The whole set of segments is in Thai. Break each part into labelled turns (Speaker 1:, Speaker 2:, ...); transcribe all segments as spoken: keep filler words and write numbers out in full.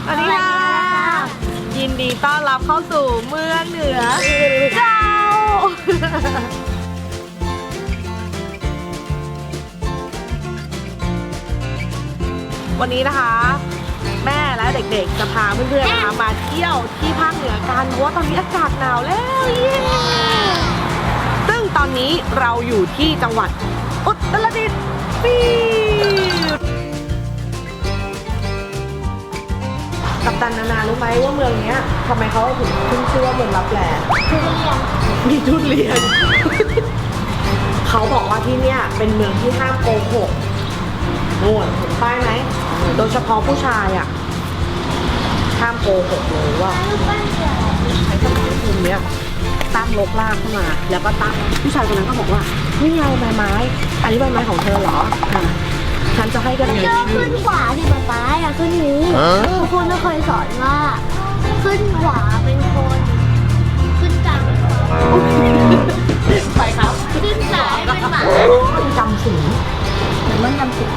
Speaker 1: วัสดีค่ะยินดีต้อนรับเข้าสู่เมืองเหนือเจ้าวันนี้นะคะแม่และเด็กๆจะพาเพื่อนๆนะคะมาเที่ยวที่ภาคเหนือกันเพราะว่าตอนนี้อากาศหนาวแล้วเย้ซึ่งตอนนี้เราอยู่ที่จังหวัดอุตรดิตถ์ปีกัปตันนานารู้ไหมว่าเมืองนี้ทำไมเขาถึงขึ้นชื่อว่าเมืองลับแลทุเรียนมีทุเรียน เขาบอกว่าที่เนี่ยเป็นเมืองที่ห้ามโกหกนู่นเห็นป้ายไหมโดยเฉพาะผู้ชายอ่ะห้ามโกหกเลยว่าใช้สมองคุมเนี้ยตั้งลกลากเข้ามาแล้วก็ตั้งผู้ชายคนนั้นก็บอกว่านี่ไงใบไม้อันนี้ใบไม้ของเธอเหรอค่ะฉันจะให้กันไง
Speaker 2: ขึ้นขวาที่ป๊าป๊าอย่าขึ้นนี้ทุกคนก็เคยสอนว่าขึ้นขวาเป็นคนขึ้นกลาง
Speaker 1: ไปครับ
Speaker 2: ขึ้นซ้ายเป็นหมา
Speaker 1: จำสีมันจำสี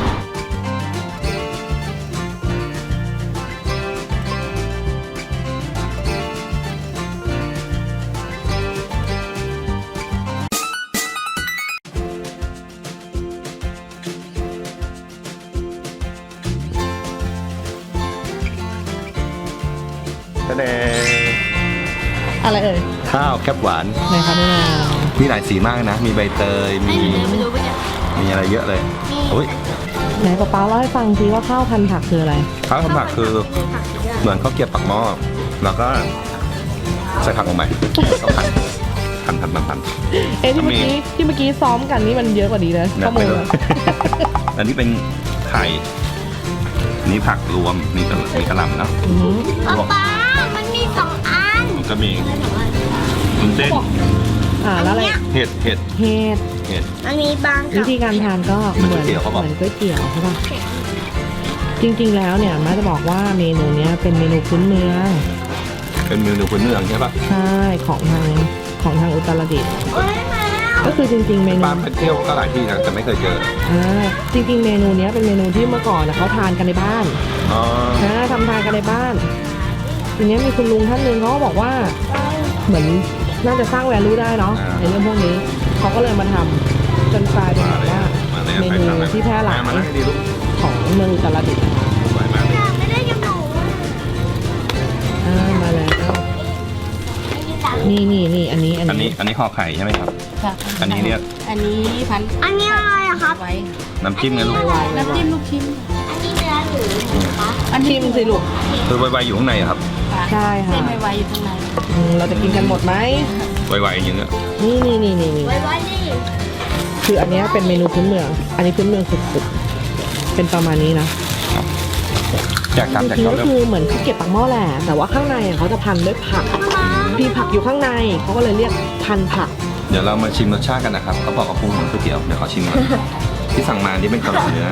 Speaker 3: แน่
Speaker 1: อะไรเอ่ย
Speaker 3: ข้าวแคบหวาน
Speaker 1: ไหนคะนี่
Speaker 3: มีหลายสีมากนะมีใบเตยมีมีอะไรเยอะเลยโอ้ย
Speaker 1: ไหนป๊าป๊าเล่าให้ฟังสิว่าข้าวพันผักคืออะไร
Speaker 3: ข้าวพันผักคือเหมือนข้าวเกรี๊ยวปักหม้อแล้วก็ใส่ผักลงไปก็พันพันพันพันพัน
Speaker 1: เอ๊ะที่เมื่อกี้ที่เมื่อกี้ซ้อมกันนี่มันเยอะกว่านี้นะข้อมูล
Speaker 3: อันนี้เป็นไข่นี่ผักรวมมีกระมีกระหล่ำนะ
Speaker 2: ป๊ามันมีสองอัน
Speaker 3: มันก็มีวุ้นเส้น
Speaker 1: อ่าแล้วอะไร
Speaker 3: เห็ดเห็ด
Speaker 1: เห็ด
Speaker 3: เห็ด
Speaker 2: อันนี้บาง
Speaker 1: วิธีการทานก็เหมือนเหมือนก๋วยเตี๋ยวใช่ป่ะจริงๆแล้วเนี่ยแม่จะบอกว่าเมนูนี้เป็นเมนูพื้นเมือง
Speaker 3: เป็นเมนูพื้นเมืองใช่ป่ะ
Speaker 1: ใช่ของทางของทางอุตรดิตถ์ก็คือจริงๆเมนู
Speaker 3: ปาไปเที่ยวก็หลายที่นะแต่ไม่เคยเจอ
Speaker 1: อ่าจริงๆเมนูนี้เป็นเมนูที่เมื่อก่อนเขาทานกันในบ้าน
Speaker 3: อ๋อ
Speaker 1: นะทำทานกันในบ้านทีนี้มีคุณลุงท่านหนึ่งเขาก็บอกว่าเหมือนน่าจะสร้างแวลูได้เนาะในเรื่องพวกนี้เขาก็เลยมาทำจนกลายเป็นแบบว่าเมนูที่แพร่หลายของเมืองอุตรดิตถ์
Speaker 2: ไม่ได้ยังหนู
Speaker 1: อ่ามาแล้วนี่นี่นี่อันนี้
Speaker 3: อันนี้อันนี้ห่อไข่ใช่ไหมครับอันนี้เรียก
Speaker 4: อันนี้พัน
Speaker 2: อันนี้อะไรอะครับ
Speaker 3: น้ำจิ้มไงลูก
Speaker 4: น้ำจิ้มลูกชิ้น
Speaker 2: อันนี้เนื้อหรือคะ
Speaker 1: อันชิมสิลูก
Speaker 3: คือไวๆอยู่ข้างในครับ
Speaker 1: ใช่ค่ะ
Speaker 4: เส้นไวๆอยู่ข้างใน
Speaker 1: เราจะกินกันหมดไหม
Speaker 3: ไวๆอย่างเงี้ย
Speaker 1: นี่นี่นี่นี่
Speaker 2: ไวๆนี่
Speaker 1: คืออันนี้เป็นเมนูพื้นเมืองอันนี้พื้นเมืองสุดๆเป็นประมาณนี้นะ
Speaker 3: อยากทำแต่
Speaker 1: ก็คือเหมือนข้าวเกรี๊ยวปักหม้อแหละแต่ว่าข้างในเขาจะพันด้วยผักมีผักอยู่ข้างในเขาก็เลยเรียกพันผัก
Speaker 3: เดี๋ยวเรามาชิมรสชาติกันนะครับเขาบอกกับปรุงเหมือนก๋วยเตี๋ยวเดี๋ยวขอชิมก่อนที่สั่งมาที่เป็นกระหล่ำเนื้อ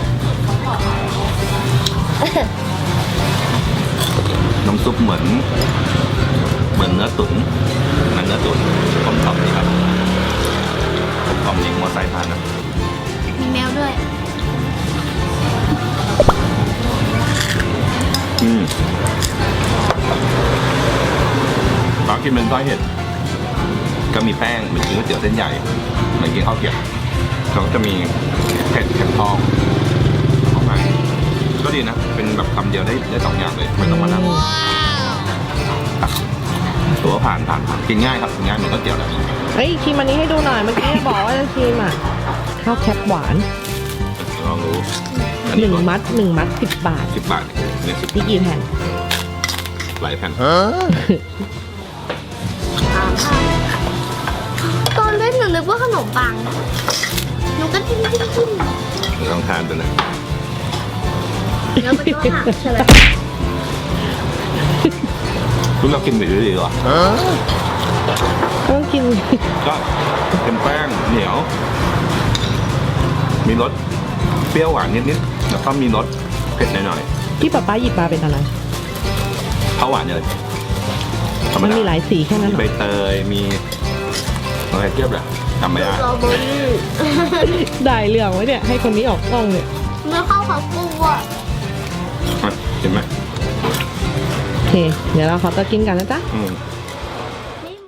Speaker 3: น้ำซุปเหมือนเหมือนเนื้อตุ๋นมันเนื้อตุ๋นกลมกล่อมดีครับกลมกล่อมยิงมอไซค์ผ่านนะ
Speaker 2: มีแมวด้วย
Speaker 3: อืมตอนกินเป็นซอยเห็ดก็มีแป้งเหมือนกินก๋วยเตี๋ยวเส้นใหญ่เหมือนกินข้าวเกรี๊ยวเขาก็จะมีเผ็ดเค็มทองออกมาก็ดีนะเป็นแบบคำเดียวได้ได้สองอย่างเลยไม่ต้องมานั่งตัวผ่านผ่านผ่านกินง่ายครับกินง่ายเหมือนก๋วยเตี๋ยวเลย
Speaker 1: เฮ้ยชิมอันนี้ให้ดูหน่อยเมื่อกี้บอกว่าจะชิมอ่ะข้าวแคบหวาน
Speaker 3: ลองดู
Speaker 1: หนึ่งมัดหนึ่งมัดสิบบาท
Speaker 3: สิบบาทเนี่ยสิบ
Speaker 1: นี่กี่แผ่น
Speaker 3: หลายแผ่น
Speaker 2: ตอนเล่นหนูนึกว่าขนมปังหนูก็จิ้มจิ้มจิ้ม
Speaker 3: ลองทานดูนะ
Speaker 2: แล้วมันก็หักใช่ไหม
Speaker 3: คุณเรากินไปเรื่อยๆหรอ
Speaker 1: ต้องกิน
Speaker 3: ก็เป็นแป้งเหนียวมีรสเปรี้ยวหวานนิดๆแล้วก็มีรสเผ็ดหน่อย
Speaker 1: ๆที่ป๊าป๊าหยิบมาเป็นอะไร
Speaker 3: ข้าวหวานเลย
Speaker 1: มันมีหลายสีแค่นั้น
Speaker 3: มีใบเตยมีอะไรเทียบเลยจำไม่ได้
Speaker 1: ได้เรื่องไว้เนี่ยให้คนนี้ออกกล้องเนี่ย
Speaker 2: เมื่อเข้าเขาปูอ่ะ
Speaker 3: เห็นไหม
Speaker 1: โอเค เดี๋ยวเราขอตัวกินกันนะจ๊ะ
Speaker 3: อืม